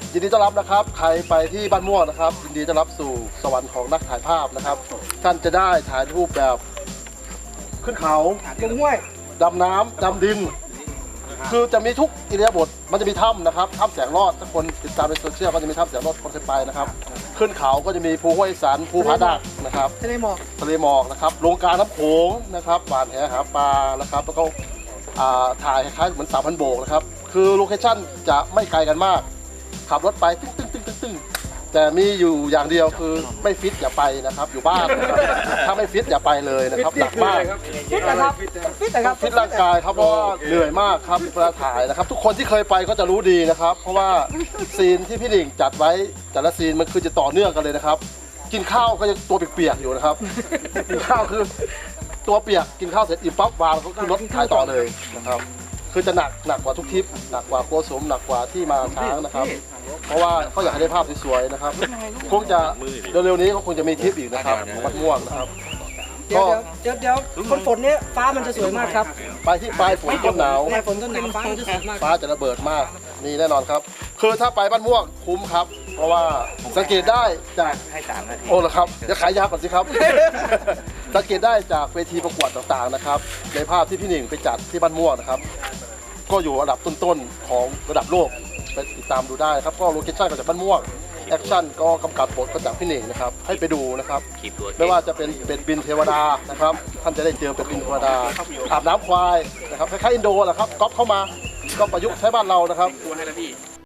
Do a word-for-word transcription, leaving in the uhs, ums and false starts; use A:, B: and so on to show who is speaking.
A: ยินดีต้อนรับนะครับใครไปที่บ้านม่วงนะครับยินดีต้อนรับสู่สวรรค์ของนักถ่ายภาพนะครับท่านจะได้ถ่ายรูปแบบขึ้นเขา
B: ลงห้วย
A: ดำน้ำดำดิน คือจะมีทุกอิริยาบถมันจะมีถ้ำนะครับถ้ำแสงรอดถ้าคนติดตามในโซเชียลก็จะมีถ้ำแสงรอดคนเคยไปนะครับขึ้นเขาก็จะมีภูห้วยสันภูผาดักนะครับ
B: ทะเลหมอก
A: ทะเลหมอกนะครับลงกลางน้ำโขงนะครับหวานแหหาปลานะครับแล้วก็อ่าถ่ายคล้ายๆเหมือนสามพันโบกนะครับคือโลเคชั่นจะไม่ไกลกันมากขับรถไปตึ้งตึ้งตึ้งตึ้งตึ้งแต่มีอยู่อย่างเดียวคือไม่ฟิตอย่าไปนะครับอยู่บ้านนะครับถ้าไม่ฟิตอย่าไปเลยนะครับหนักมาก
B: ฟิตนะครับฟิตนะครับ
A: ฟิตร่างกายครับเพราะว่าเหนื่อยมากครับเวลาถ่ายนะครับ ทุกคนที่เคยไปก็จะรู้ดีนะครับ เพราะว่าซีนที่พี่หนิงจัดไว้แต่ละซีนมันคือจะต่อเนื่องกันเลยนะครับ กินข้าวก็ยังตัวเปียกๆอยู่นะครับกินข้าวคือตัวเปียกกินข้าวเสร็จอิ่มปั๊บวางเขาขึ้นรถถ่ายต่อเลยนะครับคือจะหนักหนักกว่าทุกทริปหนักกว่าโกสมหนักกว่าที่มาช้างนะครับ เพราะว่าเขาอยากให้ได้ภาพสวยๆนะครับคงจะเร็วๆนี้เขาคงจะมีทริปอีกนะครับของวัดม่วงนะครับ
B: เดี๋ยวเดี๋ยวเดี๋ยวคนฝนเนี้ยฟ้ามันจะสวยมากครับ
A: ไปที่ปลายฝนต้นหนาว
B: ปลายฝนต้นหนาวฟ้ามันจะสวยมาก
A: ฟ้าจะระเบิดมากนี่แน่นอนครับ คือถ้าไปบ้านม่วงคุ้มครับ เพราะว่าสังเกตได้จาก
C: ให้สามนาที
A: โอ้เหรอครับเดี๋ยวขายยาก่อนสิครับ สังเกตได้จากเวทีประกวดต่างๆนะครับในภาพที่พี่หนิงไปจัดที่บ้านม่วงนะครับก็อยู่อันดับต้นๆของระดับโลกไปติดตามดูได้ครับก็โลเคชั่นก็จากบ้านม่วงแอคชั่นก็กำกับบทก็จากพี่หนิงนะครับให้ไปดูนะครับ
C: ขีดตัว
A: ไม่ว่าจะเป็นเป็ดบินเทวดานะครับท่านจะได้เจอเป็ดบินเทวดาอาบน้ำควายนะครับคล้ายๆอินโดแหละครับก๊อปเข้ามาก็ประยุกต์ใช้บ้านเรานะครับ